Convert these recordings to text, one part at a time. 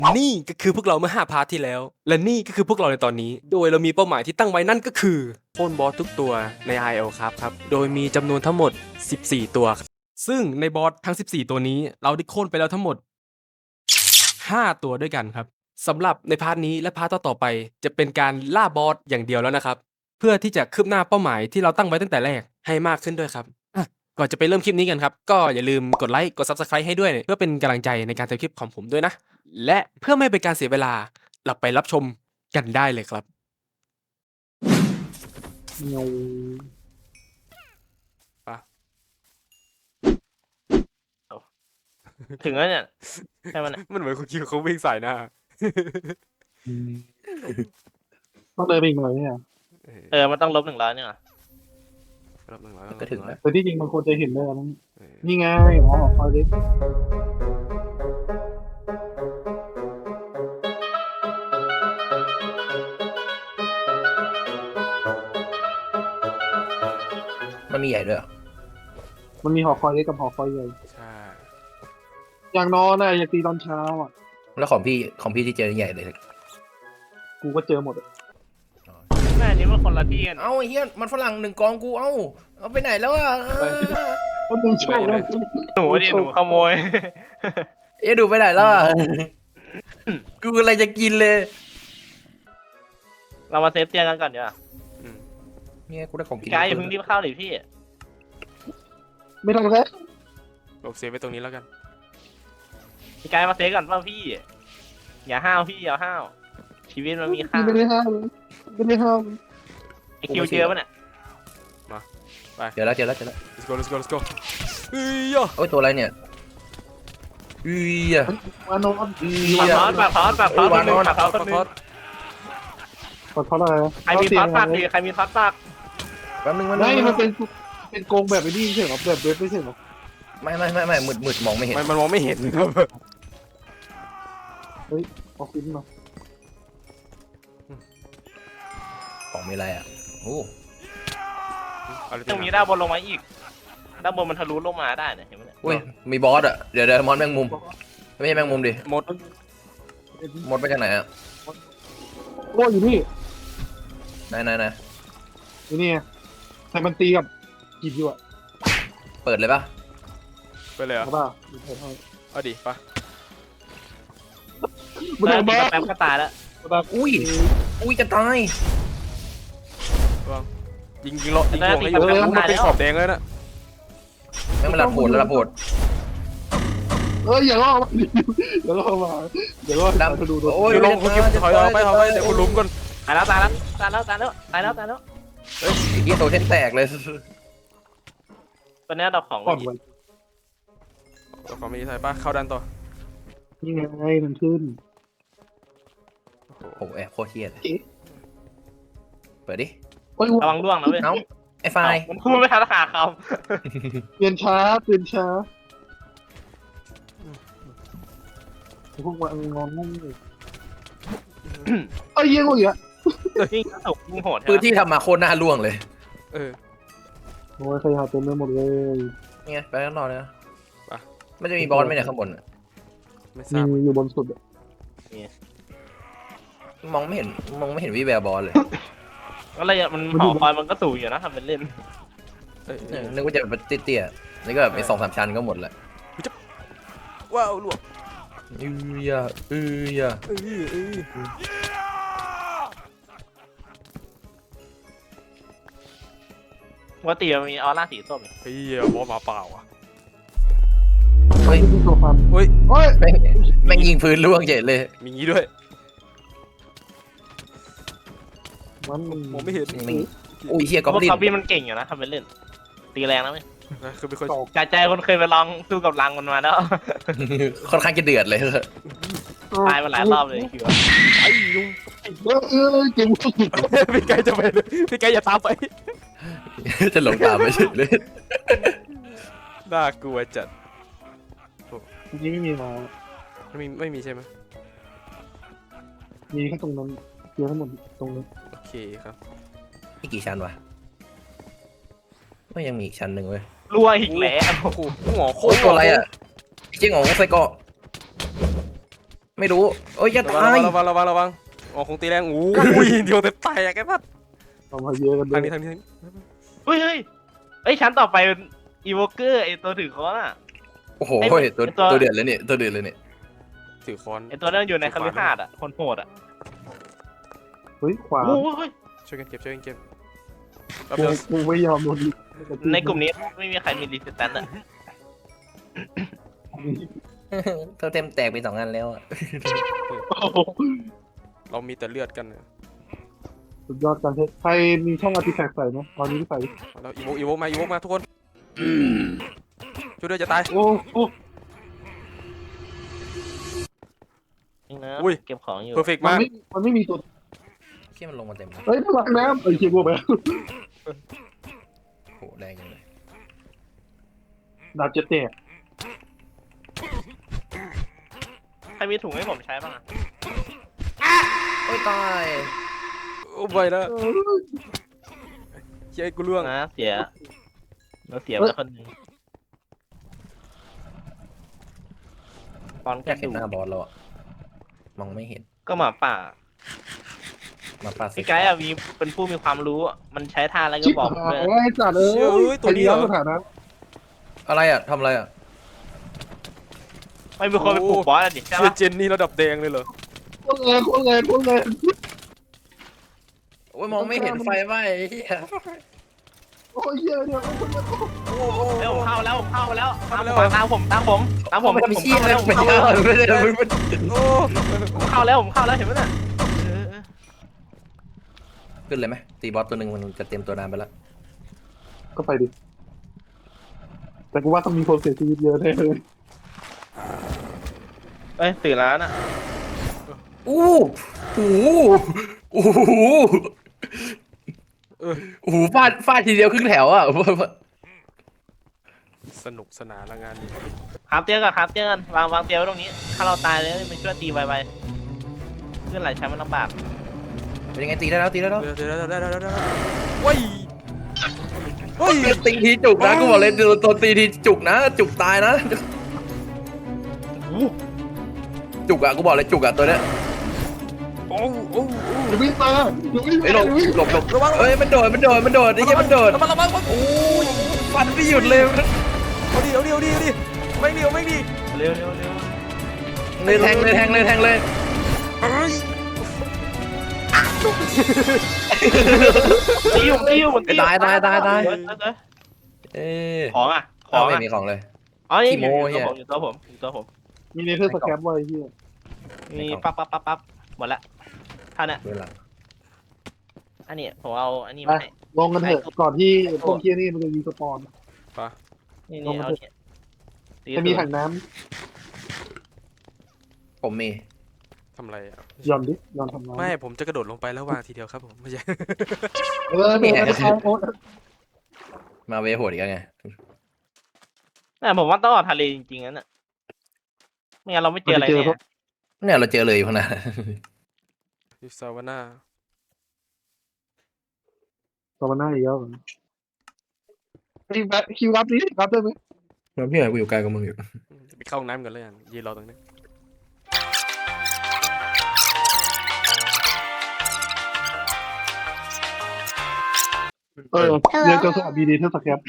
นี่ก็คือพวกเราเมื่อ5 พาร์ทที่แล้ว และนี่ก็คือพวกเราในตอนนี้ โดยเรามีเป้าหมายที่ตั้งไว้นั่นก็คือโค่นบอสทุกตัวใน IL ครับโดยมีจำนวนทั้งหมด14ตัวครับซึ่งในบอสทั้ง14ตัวนี้เราได้โค่นไปแล้วทั้งหมด5ตัวด้วยกันครับสำหรับในพาร์ทนี้และพาร์ทต่อไปจะเป็นการล่าบอสอย่างเดียวแล้วนะครับเพื่อที่จะคืบหน้าเป้าหมายที่เราตั้งไว้ตั้งแต่แรกให้มากขึ้นด้วยครับก่อนจะไปเริ่มคลิปนี้กันครับก็อย่าลืมกดไลค์กด Subscribe ให้ด้วยเพื่อเป็นกำลังใจในการทำคลิปของผมด้วยนะและเพื่อไม่เป็นการเสียเวลาเราไปรับชมกันได้เลยครับปะถึงแล้วเนี่ยใช่มันมันเหมือนคุณคิวเขาวิ่งใส่หน้าต้องเดินไปอีกหน่อยเนี่ยมันต้องลบ100เนี่ยรอบ100 ก็ถึงแล้วแต่ที่จริงมันควรจะเห็นเลยนะเออนี่ไงอ๋อคอยดิมันมีใหญ่ด้วยเหรอมันมีหอคอยเล็กกับหอคอยใหญ่ใช่อย่างนอนน่ะอย่าตีตอนเช้าอ่ะแล้วของพี่ที่เจอใหญ่เลยกูก็เจอหมดอะแม่นี้มันคนละที่กันเอ้าไอ้เฮียมันฝรั่ง1 กองกูเอาไปไหนแล้วอ่ะก็มึงโชคแล้วหนูดิหนูขโมยเอ๊ะดูไปไหนแล้วอ่ะ กูอะไรจะกินเลยเรามาเซฟเตียงกันก่อนเดี๋ยวอืมเนี่ยกูได้ของกินกายอย่าเพิ่งรีบเข้าดิพี่ไม่ต้องแล้วลบเซฟไว้ตรงนี้แล้วกันพี่กายมาเซฟก่อนเปล่าพี่ อย่าห้าวพี่อย่าห้าวชีวิตมันมีค่าไม่ได้ห้ามไม่ได้ห้ามไอคิวเจอปะเนี่ยเจอแล้ว let's go let's go let's go เฮ้ยอ่ะโอ้ยตัวอะไรเนี่ยอุ้ยอ่ะมานอนอุ้ยปากอ่ะทอดปากทอดปากทอดวางนอนปากทอดคนนึงขอโทษอะไรนะใครมีทอดปากดีใครมีทอดปากแป๊บนึงไม่มันเป็นโกงแบบไอ้นี่ไม่ใช่เหรอแบบเว็บไม่ใช่เหรอไม่มืดมองไม่เห็นมันมองไม่เห็นครับเอาขึ้นมาของมีอะไรอ่ะโอ้เอาเลยตรงนี้ด้านบนลงมาอีกด้านบนมันทะลุลงมาได้เนี่ยเห็นไหมเนี่ยยมีบอสอ่ะเดี๋ยวมอนแมงมุมไม่ใช่แมงมุมดิหมดมดไปจากไหนอ่ะโอ้ยอยู่นี่ไหนอยู่นี่ไงแต่มันตีกับกินอยู่อ่ะเปิดเลยปะไปเลยเหรใช่อ่ะป่ะเอาดิปะมันโดนบ้าแป๊บก็ตายแล้วอุ้ยจะตายยิงลงให้อยู่มันเป็นขอบแดงเลยนะไม่มันระโผดอย่าล่อมาอย่าล่อมาอย่าล่อดำไปดูโดนโอ้ยเดี๋ยวลงคุณคิวถอยไปเดี๋ยวคุณลุ้มก่อนตายแล้วเฮ้ยไอ้เหี้ยโตเทนแตกเลยตอนนี้เราของก่อนวันตัวของมีใส่ปะเข้าดันต่อนี่ไงมันขึ้นโอ้โหแอบโคตรเฮี้ยเลยเอ๊ะเปิดดิโอ้ยระวังร่วงนะเว้ยเอ้าไอ้ไฟมันพูดไม่ทันขาคเปลี่ยนช้าพวกมันงอนงงเลยเอ้ยเยี่ยงอีกอ่ะำยิ่งตกยิ่งโหดพื้นที่ทำมาโคตรน่าล่วงเลยเออโอ้ยใครหาเต็มไปหมดเลยนี่ไงไปข้างนอกเลยนะไปมันจะมีบอสไหมเนี่ยข้างบนอะไม่ทราบมีอยู่บนสุดอ่ะมองไม่เห็นวิแววบอสเลยก็เลยมันหอคอยมันก็สูงอยู่นะทำเป็นเล่นนึกว่าจะแบบเตี้ยๆนี่ก็แบบมี2-3 ชั้นก็หมดแหละว้าวลวกอือยะปกติมันมีออร่าสีส้มเฮ้ยบอสมาเปล่าอ่ะเฮ้ยที่โซฟาเฮ้ยโอ้ยแม่งยิงพื้นล่วงเฉยเลยมีงี้ด้วยมันมองไม่เห็นอุ้ยเฮียเพก็ราะดิ้นคาบี้มันเก่งอยู่นะทำเป็นเล่น ตีแรงนะเว้ยคือเป็นคนใจคนเคยไปลองสู้กับรังมันมาแล้วค่อนข้างจะเดือดเลยตายมาหลายรอบเลยคือว่าไอ้ลุงเก่งสุดพี่ไกจะไปเลยพี่ไกอย่าตามไปจะหลงตามไปเฉยเลยน่ากลัวจัดนี่ไม่มีมาไม่มีใช่ไหมมีแค่ตรงนั้นเยอะทั้งหมดตรงนั้นโอเคครับนี่กี่ชั้นวะไม่ยังมีอีกชั้นหนึ่งเว้ยรั่วอีกแล้วโอ้โหหัวโคโอ้ตยรตัวอะไรอ่ะเจ๊งของไส้เกาะไม่รู้โอ้ยจะระวัตาง ยระวังอ๋อคงตีแรงอู้ยเดียวแต่แตกไอ้พัดเอามาเยอะกันด้วทาย งนี้เฮ้ยเอ้ยชั้นต่อไปเป็นอีโวเกอร์ไอตัวถือค้อนอ่ะโอ้โหไอ้ตัวตัวตัวเดือดเลยเนี่ยตัวเดือดเลยเนี่ยถือค้อนไอตัวนั้นอยู่ในคฤหาสน์อ่ะคนโหดอ่ะเฮ้ยขวาโอ้ยช่วยกันเก็บแป๊บกูเดียวกูไม่ยอมโดนในกลุ่มนี้ไม่มีใครมีรีสแตนอ่ะเธอเต็มแตกไป2 อันแล้วอะโอ้โหเรามีแต่เลือดกันสุดยอดการใช้ใครมีช่องอาร์ติแฟกต์ใส่ไหมตอนนี้ใส่แล้วอีโวมาทุกคนช่วยด้วยจะตายโอ้โหนี่นะอุ้ยเก็บของอยู่เพอร์เฟกมันมากไม่มีตัวเชี่ยมันลงมาเต็มเลยเฮ้ยพลังน้ำเคียบวกไปโหแรงจังเลยดาบเจ็ดแตกใครมีถุงให้ผมใช้บ้างอ่ะโอ้ยตายโอ้ไปแล้วเฮ้ยกูล่วงนะเสียเราเสียไปคนหนึงตอนอแกยากเห็นดูหน้าบอสเราอะมองไม่เห็นก็หมาป่ามาปาดพี่ไกด์อะมีเป็นผู้มีความรู้อะมันใช้ท่าอะไรก็ชิบบอกหายเลยไอ้จัดตัวนี้สถานะอะไรอะทำอะไรอะไม่มีคนไปปลุกบอสอะดิใช่เชียปะเจนนี่ระดับแดงเลยเหรอโคตรแรงโคตรแรงโคตรแรงโอ้ยมองไม่เห็นไฟไหมไอ้เหี้ยโอ้ยเยอะเนี่ยเร็วเข้าแล้วตามผมไม่ทำเชี่ยเข้าเลแล้ยว ไม่เข้าได้แล้วไม่ได้ไม่ได้โอ้ผมเข้าแล้วเห็นไหมน่ะขึ้นเลยไหมตีบอสตัวหนึ่งมันจะเตรียมตัวนานไปแล้วก็ไปดิแต่กูว่าต้องมีคนเสียชีวิตเยอะแน่เลยเอ้ยตื่นแล้วน่ะอู้หูอู้หูอู้หูฟาดทีเดียวครึ่งแถวอ่ะสนุกสนานละงานนี้ครับเตียงกันวางเตียงไว้ตรงนี้ ถ้าเราตายเลยมันช่วยตีไวๆขึ้นหลายชั้นมันลำบากเป็นยังไงตีได้แล้วเดี๋ยวว้ยเฮ้ยตีทีจุกนะกูบอกเลยตัวตีทีจุกนะ จุกตายนะจุกอ่ะกูบอกเลยจุกอ่ะตัวเนี้ยโอ้อย่าวิ่งมาอย่าวิ่งไอ้ยหลมาบเฮ้ยมันโดดไอ้เหี้ยมันโดดระวังโอ้ยฟันไม่หยุดเลยเอาดิไม่ดีเร็วเลยแทงเลยเอ้ยตีอยู่มันตีตายเอ้ยเอ้ยของอ่ะไม่มีของเลยอ๋อนี่ขี้โม้เหี้ยอยู่ตัวผมมีเนเธอร์สแคปไว้ที่มีปั๊บหมดละท่าน่ะเวลาอันนี้ผมเอาอันนี้ไปมาให้ลงกันเถอะก่อนที่พวกเคียนี่มันจะมีสปอนนี่ลงมาเอาเถอะเนี่ยจะมีถังน้ผมมีทำอะไรอ่ะำหย่อนดิหย่อนทำน้ำไม่ผมจะกระโดดลงไปแล้ววางทีเดียวครับผมไม่ใช่เนี่ยโอ๊ตมาเวโหดอีกแล้วไงแต่ผมว่าต้องออกทะเลจริงๆนั่นน่ะไม่งั้นเราไม่เจออะไรเนี่ยเนี่ยเราเจอเลยอยู่ข้างหน้ายูซาวาน่าต่อมาหน้าอีกแล้วคิวรับดิรับได้ไหมแล้วพี่หน่อยกูอยู่ไกลกับมึงอยู่ไปเข้าห้องน้ำกันเลยอ่ะยืนรอตรงนี้เรียนจนสอบบีดีเทอร์สแคป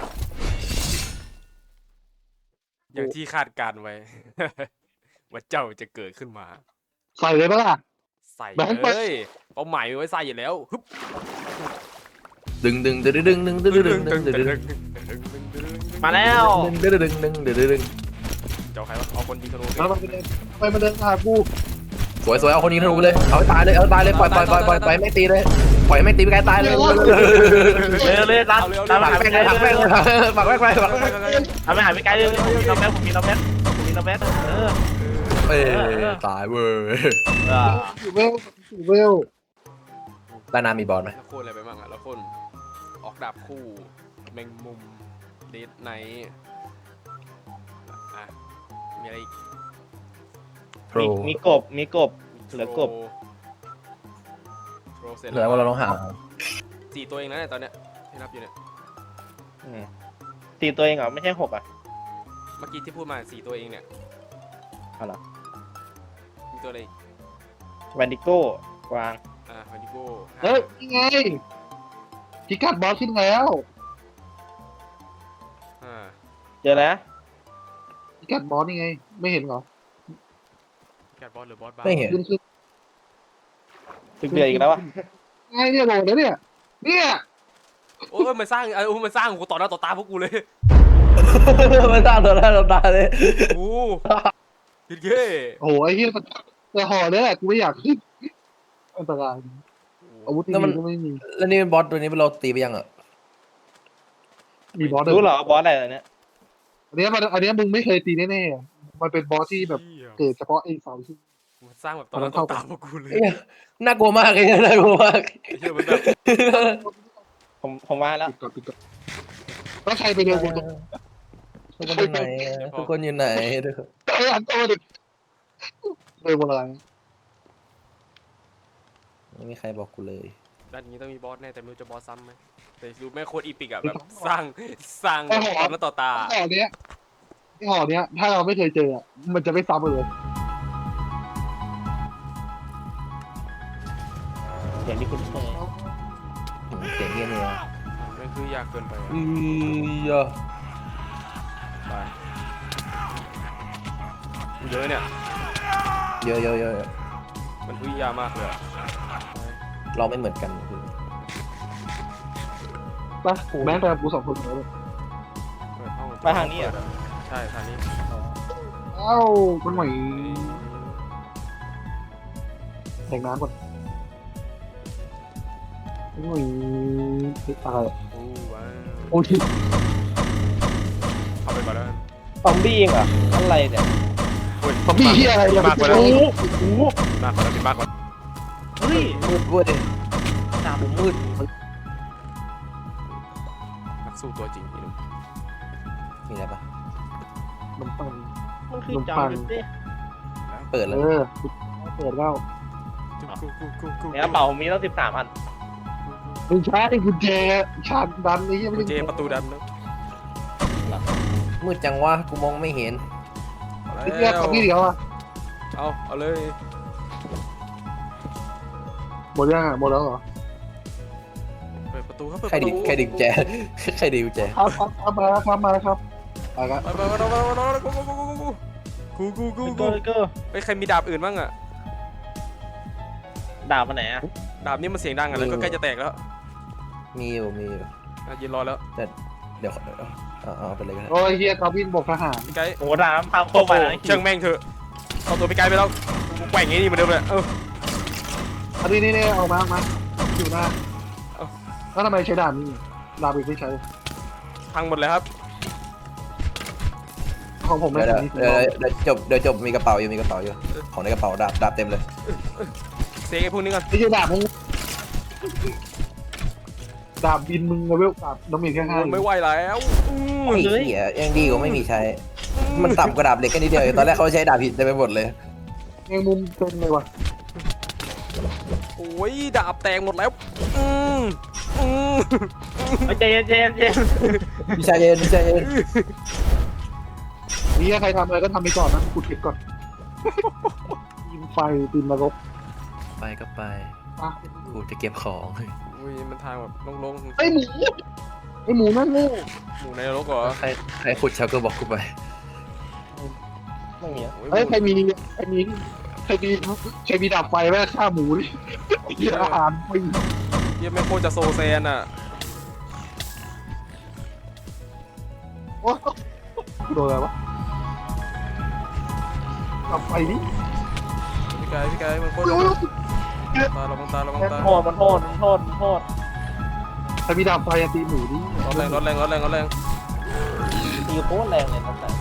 อย่างที่คาดการไว้ ว่าเจ้าจะเกิดขึ้นมาใส่เลยปะล่ะใส่แบงค์ไปเลยเป้าหมายไว้ใส่อยู่แล้วฮึบดึงมาแล้วเจ้าใครวะเอาคนยิงธนูแล้วมันไปเดินไปมาเดินหากูสวยเอาคนนี้ธนูเลยเอาตายเลยปล่อยไม่ตีเลยปล่อยไม่ตีไปไกลตายเลยเลยตามปักแม่งเลยปักแม่งไปเอาไปหาพี่ไกด์เลยผมมีน้องแม็กเอ้ยตายเว้ยอยู่เวลด้านหน้ามีบอลไหมแล้วโค่นอะไรไปบ้างอ่ะแล้วโค่นออกดาบคู่แมงมุมเดดไนท์อ่ะมีอะไรอีกโปรมีกบเหลือกบโปรเสร็จเหลือว่าเราต้องหา 4 ตัวเองนะเนี่ยตอนเนี้ยที่นับอยู่เนี่ยตีตัวเองเหรอไม่ใช่6อ่ะเมื่อกี้ที่พูดมา4 ตัวเองเนี่ยเอาเหรอตัวอะไรอีกแวนดิโก้กวางวันดิโก้เฮ้ยนี่ไงพิกัดบอสขึ้นแล้วเจอแล้วพิกัดบอสนี่ไง ไม่เห็นเหรอแกบอสหรือบอสบ้าไม่เห็นขึ้นถึงเดือดอีกแล้ววะไงเนี่ยโหลดแล้วเนี่ยเนี่ยโอ้ยมันสร้างมันสร้างกูต่อหน้าต่อตาพวกกูเลยมันตาตัวหน้าตัวตาเลยโอ้ยเย้โอ้โหไอ้เหี้ยแต่ห่อเนี่ยแหละกูไม่อยากขึ้นอันตรายอาวุธที่ดีก็ไม่มีแล้วนี่บอสตัวนี้เราตีไปยังอ่ะมีบอสรู้เหรอบอสอะไรเนี่ยอันเนี้ยมึงไม่เคยตีแน่ๆมันเป็นบอสที่แบบเกิดเฉพาะไอ้เสาที่มันสร้างแบบต่อหน้าต่อตาพวกกูเลยน่ากลัวมากเลยน่ากลัวมากไอ้เหี้ยมันแบบผมมาแล้วปิดก่อนแล้วใครไปเดินบนตรงทุกคนอยู่ไหนทุกคนอยู่ไหนอันโตดิเดินบนอะไรไม่มีใครบอกกูเลยด้านนี้ต้องมีบอสแน่แต่ไม่รู้จะบอสซ้ำไหมแต่รู้แม่โคตรอีปิกอะแบบสร้างต่อหน้าต่อตาห่อเนี้ยถ้าเราไม่เคยเจอมันจะไม่ซ้ำเลยเสียงที่คุณเคยเสียงเงี้ยเนี่ยมันคือยากเกินไปเยอะไปเยอะเนี่ยเยอะเยอะเยอะมันคือยามากเลยเราไม่เหมือนกันคือปะแม้แต่กู2 คนเลยไปทางนี้อ่ะใช่ทางนี้เอ้ามันหน่อยแข่งน้ำก่อนหน่อยตายโอ้ว้าวโอ้ยเข้าไปก่อนแล้วซอมบี้เองเหรออะไรเนี่ยซอมบี้ที่อะไรเนี่ยมากกว่าแล้วโอ้โหมากกว่าแล้วมากกว่าเฮ้ยมืดเว้ยดาบมืดนักสู้ตัวจริงนี่หนุ่มมีอะไรปะมันปังมันคือจอมดิเปิดเอแล้วอเปิดแล้วกูในกระเป๋ามีตั้ง13 อันมึงช้าไอ้กุญแจชาร์จดันนี่ยังไม่กูเจได้ประตูดันแล้วมืดจังวะกูมองไม่เห็นไอ้เหี้ยตอนนี้เดี๋ยวอ่ะเอาเลยหมดยังอ่ะหมดแล้วเหรอเปิดประตูครับเปิดใครประดิตูใครดิกุญแจใครดิกุญแจครับมาครับไปกันกูก็ไปใครมีดาบอื่นบ้างอะดาบมาไหนอ่ะดาบนี่มันเสียงดังอะแล้วก็ใกล้จะแตกแล้วมีอยู่ยืนรอแล้วเดี๋ยวเอาไปเลยกันโอ้ยเฮียกาวินบอกทหารพี่ไกด์โอ้ดาบพังโคโอ้ไปโหแล้วเชิงแม่งเถอะเอาตัวพี่ไกด์ไปแล้วกูแกว่งอย่างนี้เหมือนเดิมเลยเอออันนี้นี่เอามาอยู่หน้าแล้วทำไมใช้ดาบนี่ดาบอีกไม่ใช้พังหมดเลยครับของผมไม่เดี๋ยวใช่เดี๋ยวจบมีกระเป๋าอยู่ของในกระเป๋าดาบเต็มเลยเซกไอ้พวกนี้ก่อนไม่ใช่ดาบมึงดาบบินมึงเลเวลดาบน้ำมันแค่5 ไม่ไหวแล้วไอ้เหี้ยยังดีกว่าไม่มีใช้ มันต่ำกว่าดาบเหล็กแค่นิดเดียวตอนแรกเขาใช้ดาบผิดไปหมดเลยแมงมุมเต็มเลยวะโอ้ยดาบแตกหมดแล้วเจนพี่ชายเย็นนี่ใครทำอะไรก็ทำไปก่อนนะขุดเก็บก่อนยิงไฟตีนนรกไปก็ไปอ่ะกูจะเก็บของอุ้ยมันทางแบบโล่งไอหมูนั่นโง่ๆหมู่ในนรกเหรอใครขุดเชาก็บอกกูไปไม่มีเฮ้ยใครมีดาบไฟแม่ฆ่าหมูดิอาหารฟรียังไม่โคตรจะโซแซนอ่ะโอ้โดนอะไรวะดาบไฟนี่พี่ไกด์มันโคตรตาระวังตาโทษใครมีดาบไฟตีหมูดิร้อนแรงตีโคตรแรงเลยนั่นแหละ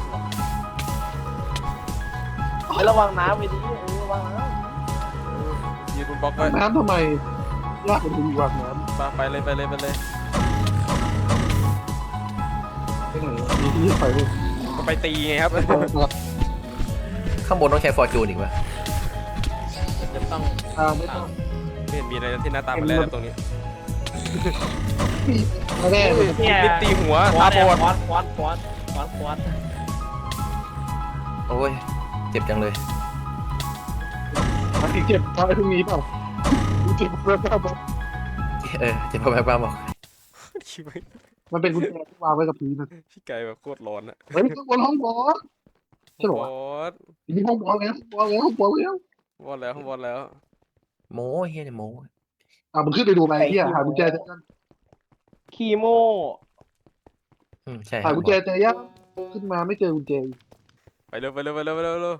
ไม่ระวังน้ำไปดิระวังน้ยืนบนบล็อกไว้น้ำทำไมลากมันดีกว่าน้ำไปเลยไปไหนมีที่ไฟด้วยก็ไปตีไงครับข้างบนต้องใช้ฟอร์จูนอีกวะำจะต้องไม่ต้องไม่เห็นมีอะไรที่หน้าตามันแรงตรงนี้ไม่แน่มิดตีหัวคตาวับอดควัดโอ้ยเจ็บจังเลยดมาถึงเจ็บตายพรุ่งนี้เปล่าเจ็บเพิ่มเปล่าเจ็บแบบบ้าบอกมันเป็นกุญแจที่วางไว้กับพื้นนะพี่ไก่แบบโคตรร้อนอะเฮ้ยบนห้องบอสใช่หรอบ วะอสนี่ห้องบอสแล้วบอสแล้วบอสแล้วบอสแล้วบอสแล้วโม้เฮียเนี่ยโม้มึงขึ้นไปดูไหมเฮียหากุญแจเจอยังคีโมใช่หากุญแจเจอยังขึ้นมาไม่เจอกุญแจไปเร็วไปเร็วไปเร็วไปเร็วเร็ว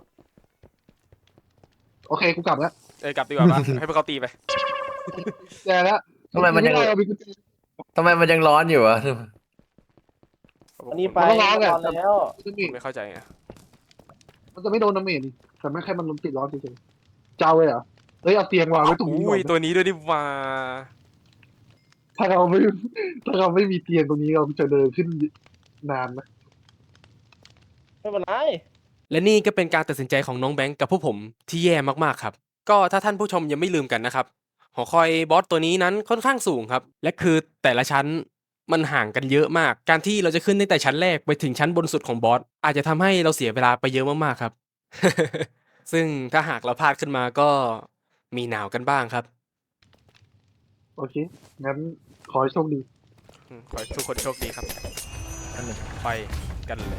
โอเคกูกลับแล้วเอ้ยกลับดีกว่าปะ ให้พวกเขาตีไปแจแล้วทำไมมันยังเรามีกุญแจทำไมมันยังร้อนอยู่อะอันนี้ไปมันก็ร้อนแหละแล้วไม่เข้าใจไงมันจะไม่โดนน้ำเมจนี่แต่ไม่แค่มันลมติดร้อนเฉยๆเจ้าเลยเหรอเฮ้ยเอาเตียงวางไว้ตรงนี้ก่อุ้อย นตัวนี้ด้วยดิว่าถ้าเราไม่มีเตียงตรงนี้เราจะเดินขึ้นนานนะไม่เป็นไรและนี่ก็เป็นการตัดสินใจของน้องแบงค์กับพวกผมที่แย่มากๆครับ ก็ถ้าท่านผู้ชมยังไม่ลืมกันนะครับ หอคอยบอสตัวนี้นั้นค่อนข้างสูงครับ และคือแต่ละชั้นมันห่างกันเยอะมาก การที่เราจะขึ้นตั้งแต่ชั้นแรกไปถึงชั้นบนสุดของบอสอาจจะทำให้เราเสียเวลาไปเยอะมากๆครับ ซึ่งถ้าหากเราพลาดขึ้นมาก็มีหนาวกันบ้างครับโอเคงั้นขอให้โชคดีขอให้ทุกคนโชคดีครับ ไปกันเลย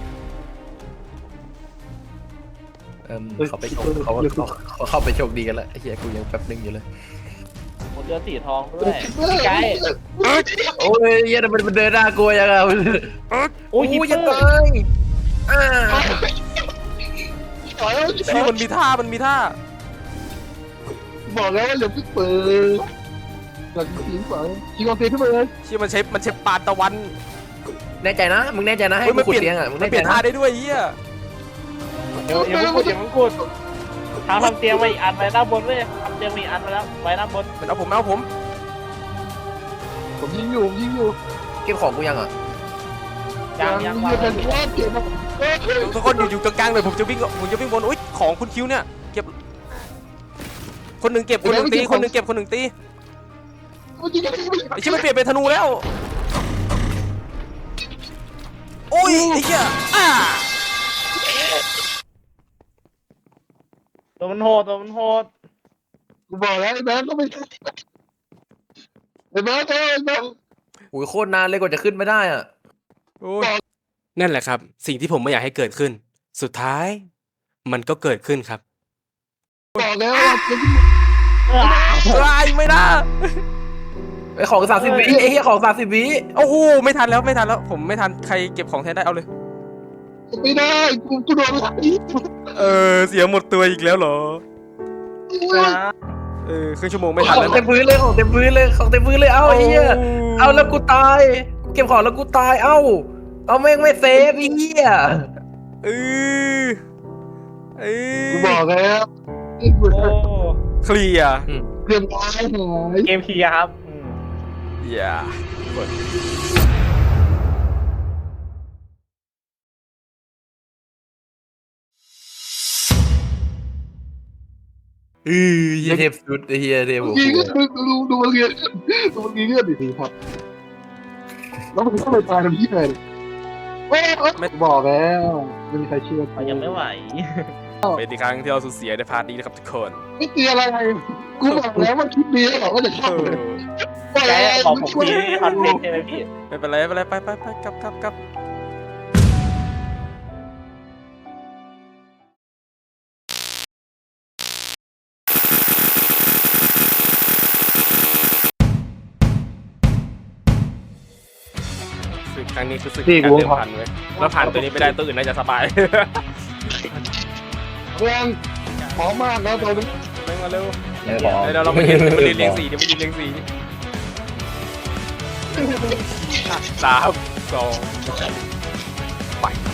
เขาไปโชคเขาเข้าไปโชคดีกันแล้วไอ้เฮียกูยังแป๊บนึงอยู่เลยผมเจอสีทองด้วยพี่ไก่โอ้ยเฮียมันเดินหน้ากลัวยังไงโอ้ยฮิปเปยัองไงร์ที่มันมีท่ามันมีท่าบอกแล้วว่าอย่าเพิ่งเปิดหลังทิ้งไปยิงเอาเตียงขึ้นมาเลยที่มันใช้ปานตะวันแน่ใจนะมึงแน่ใจนะให้เฮ้ยกูมันขุดเปลี่ยนเตียงอ่ะมึงมันแน่เปใจลี่ยนนะท่าได้ด้วยเฮียเดี๋ยวอย่าเพิ่งกดทำเตียงไว้อีกอันไว้ด้านบนเว้ยทำเตียงไว้อีกอันไว้แล้วไว้ด้านบนมันเอาผมเอาผมผมยิงอยู่ผมยิงอยู่เก็บของกูยังอ่ะยังยิงเป็นว่าเก็บมาทุกคนอยู่ตรงกลางเลยผมจะวิ่งบนอุ้ยของคุณคิวเนี่ยเก็บคนหนึ่งเก็บคนหนึ่งตีคนหนึ่งเก็บคนหนึ่งตีไอ้ชิบมันเปลี่ยนเป็นธนูแล้วโอ้ยไอ้เหี้ยอ่าตัวมันโหดตัวมันโหดกูบอกแล้วไอ้แบงค์ก็ไม่ใช่ไอ้แบงค์ไอ้แบงค์โอ้ยโคตรนานเลยกว่าจะขึ้นไม่ได้อ่ะโอ้ยนั่นแหละครับ สิ่งที่ผมไม่อยากให้เกิดขึ้น สุดท้าย มันก็เกิดขึ้นครับบอกแล้วว่าจะไม่ได้ไอ้ของ30วิไอ้เหี้ยของ30วิโอ้โหไม่ทันแล้วผมไม่ทันใครเก็บของแทนได้เอาเลยไม่ได้กูโดนไล่เสียหมดตัวอีกแล้วเหรอครึ่งชั่วโมงไม่ทันขอแล้งวเต็มพื้นเลยของเต็มพื้นเลยของเต็มพื้นเลยเอ้าไอ้เหี้ยเอาแล้วกูตายเก็บของแล้วกูตายเอ้าเอาแม่งไม่เซฟไอ้เหี้ยเออกูบอกแล้วโอ้เคลียร์เกือบตายหายเกมเคลียร์ครับอย่าเหี้ยเทพสุดไอ้เหี้ยเทพโอ้โหยิงก็ดูมันเรียนดูมันยิงเลือดดิครับแล้วมันก็ไปตายทำที่ไหนไม่บอกแล้วไม่มีใครเชื่อยังไม่ไหวเป็นอีกครั้งที่เราสูญเสียในพาร์ทนี้นะครับทุกคนไม่เตียอะไรกูบอกแล้วว่าคลิปนี้บอกว่าจะเข้าเลยไก่บอกผมทีนี่คอนเทนต์ใช่ไหมพี่ไม่เป็นไรไปกลับศึกครั้งนี้คือศึกการเดิมพันเว้ยแล้วผ่านตัวนี้ไม่ได้ตัวอื่นน่าจะสบายเรื่องหอมมากนะตอนนี้ไม่มาเร็วไม่บอกเดี๋ยวเรามายืนเรียงสีเดี๋ยวมายืนเรียงสี3 2ไป